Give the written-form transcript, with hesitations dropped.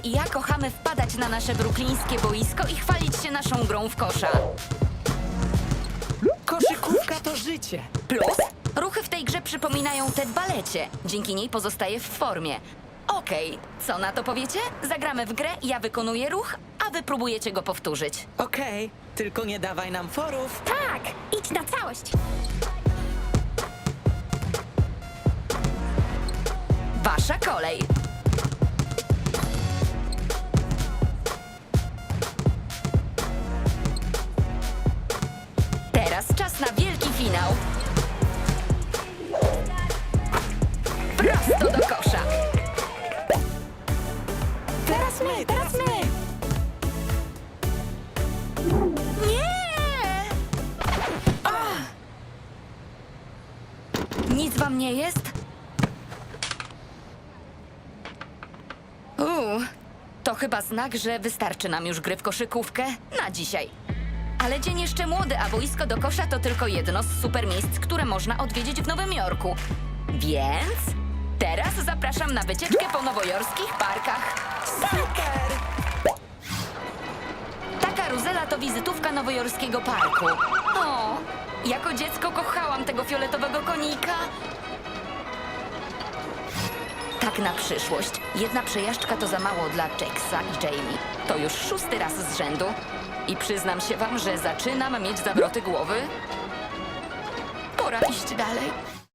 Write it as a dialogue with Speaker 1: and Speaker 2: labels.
Speaker 1: i ja kochamy wpadać na nasze bruklińskie boisko i chwalić się naszą grą w kosza.
Speaker 2: Koszykówka to życie.
Speaker 1: Plus, ruchy w tej grze przypominają te w balecie. Dzięki niej pozostaję w formie. Okej, co na to powiecie? Zagramy w grę, ja wykonuję ruch, a wy próbujecie go powtórzyć.
Speaker 2: Okej, tylko nie dawaj nam forów.
Speaker 3: Tak, idź na całość.
Speaker 1: Wasza kolej. Teraz czas na wielki finał. Prosto do kosza.
Speaker 2: Teraz my, teraz my.
Speaker 1: Nie! Nic wam nie jest? To chyba znak, że wystarczy nam już gry w koszykówkę na dzisiaj. Ale dzień jeszcze młody, a boisko do kosza to tylko jedno z super miejsc, które można odwiedzić w Nowym Jorku. Więc teraz zapraszam na wycieczkę po nowojorskich parkach.
Speaker 2: Super!
Speaker 1: Ta karuzela to wizytówka nowojorskiego parku. O, jako dziecko kochałam tego fioletowego konika. Tak na przyszłość. Jedna przejażdżka to za mało dla Jacksa i Jamie. To już 6. raz z rzędu. I przyznam się wam, że zaczynam mieć zawroty głowy. Pora iść dalej.